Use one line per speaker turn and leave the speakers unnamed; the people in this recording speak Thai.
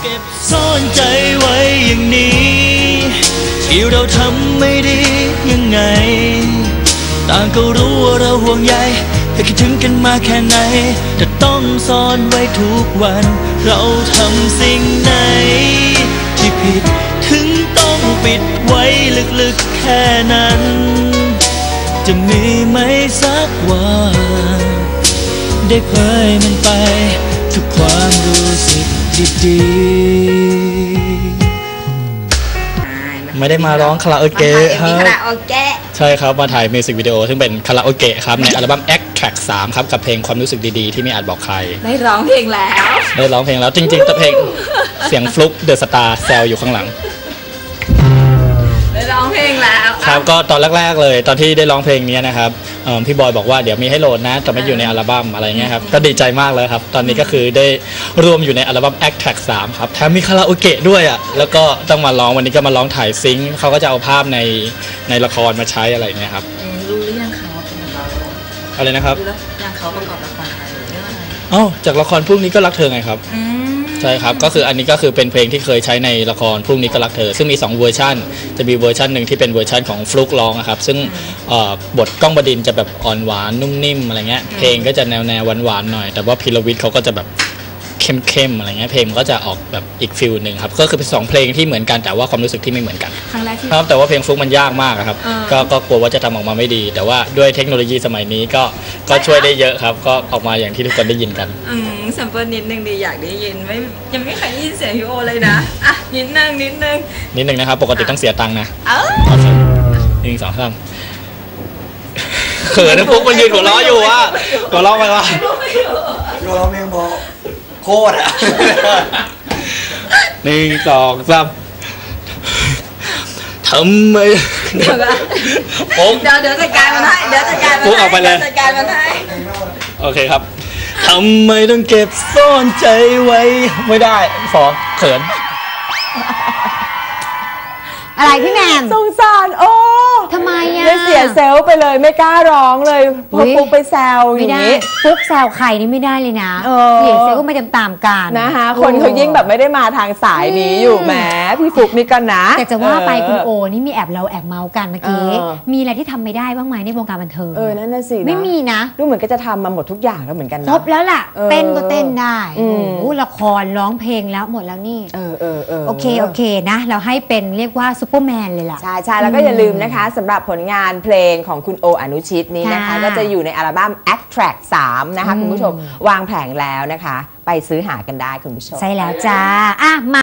เก็บซ่อนใจไว้อย่างนี้ที่เราทำไม่ดียังไงต่างก็รู้ว่าเราห่วงใยแต่คิดถึงกันมาแค่ไหนแต่ต้องซ่อนไว้ทุกวันเราทำสิ่งไหนที่ผิดถึงต้องปิดไว้ลึกๆแค่นั้นจะมีไหมสักวันได้เผยมันไปทุกความรู้สึกดีๆไม่ได้มาร้องคาราโอเกะครับคาราโอเกะใช่ครับมาถ่ายมิวสิกวิดีโอซึ่งเป็นคาราโอเกะครับในอัลบั้ม Act Track 3ครับกับเพลงความรู้สึกดีๆที่ไม่อาจบอกใคร
ได้ร้องเพลงแล้ว
จริงๆแต่เพลงเสียงฟลุ๊กเดอะสตาร์แซวอยู่ข้างหลัง
ได้ร้องเพลงแล้ว
ครับก็ตอนแรกๆเลยตอนที่ได้ร้องเพลงนี้นะครับพี่บอยบอกว่าเดี๋ยวมีให้โหลดนะแต่ไม่อยู่ในอัลบั้มอะไรเงี้ยครับก็ดีใจมากเลยครับตอนนี้ก็คือได้รวมอยู่ในอัลบั้ม Act Track 3ครับแถมมีคาราโอเกะด้วยอ่ะแล้วก็ต้องมาร้องวันนี้ก็มาร้องถ่ายซิงค์เขาก็จะเอาภาพในละครมาใช้อะไรเงี้ยครับ
รู้หรือยังเขาเป็น
อะไรนะครับ
รู้แล้วยังเขาประกอบละครอะไรเรื่องอะไร
จากละครพรุ่งนี้ก็รักเธอไงครับใช่ครับก็คืออันนี้ก็คือเป็นเพลงที่เคยใช้ในละครพรุ่งนี้ก็รักเธอซึ่งมี2เวอร์ชันจะมีเวอร์ชันหนึ่งที่เป็นเวอร์ชันของฟลุ๊กร้องครับซึ่งบทก้องบดินทร์จะแบบอ่อนหวานนุ่มนิ่มอะไรเงี้ยเพลงก็จะแนวหวานๆหน่อยแต่ว่าพีรวิทย์เขาก็จะแบบเข้มอะไรเงี้ยเพลงมันก็จะออกแบบอีกฟิลหนึ่งครับก็คือเป็น2เพลงที่เหมือนกันแต่ว่าความรู้สึกที่ไม่เหมือนกัน
ครั้งแรกที่
ครับแต่ว่าเพลงฟลุ๊กมันยากมากครับก็กลัวว่าจะทำออกมาไม่ดีแต่ว่าด้วยเทคโนโลยีสมัยนี้ก็ช่วยได้เยอะครับก็ออกมาอย่างที่ทุกคนได้ยินกัน
แซมเปิลนิดนึงดีอยากได้ยินยังไม่เคยได้ยินเสียงพี่โอเลยนะอ่ะนิดนึง
นะครับปกติต้องเสียตังค์นะ1 2 3เขินนะพวกมันยืนหัวเราะอยู่ว่าหัวเราะไปว่า
หัวเราะเมียงบอกโคตรอ่ะ
1 2 3ทำไม
เดี๋ยวจัดการมันให้ปุ๊ก
ออกไปเลย
จัดการมันให้
โอเคครับทำไมต้องเก็บซ่อนใจไว้ไม่ได้ขอเขิน
อะไรพี่แหม่ม
สงสารโอ้
ทำไมอ่ะ
เลยเสียเซลล์ไปเลยไม่กล้าร้องเลยพอปุ๊กไปแซวอย่างนี้
ปุ๊กแซวใครนี่ไม่ได้เลยนะเสียเซลล์ก็ไม่ตามกัน
นะคะคนเขายิ่งแบบไม่ได้มาทางสายนี้อยู่แหมพี่ฟุกนี่กันนะ
แต่จะว่าไปคุณโอนี่มีแอบเมาส์กันเมื่อกี้มีอะไรที่ทำไม่ได้บ้างไหมในวงการบันเทิง
นั่นน่ะสิ
ไม่มีนะ
ดูเหมือนก็จะทำมาหมดทุกอย่างแล้วเหมือนกันนะ
ครบแล้วล่ะเต้นก็เต้นได้ละครร้องเพลงแล้วหมดแล้วนี่โอเคนะเราให้เป็นเรียกว่าซุปเปอร์แมนเลยล่ะ
ใช่แล้วก็อย่าลืมนะคะสำหรับผลงานเพลงของคุณโออนุชิตนี้นะคะก็จะอยู่ในอัลบั้ม Act Track 3นะคะคุณผู้ชมวางแผงแล้วนะคะไปซื้อหากันได้คุณผู้ชม
ใช่แล้วจ้ามา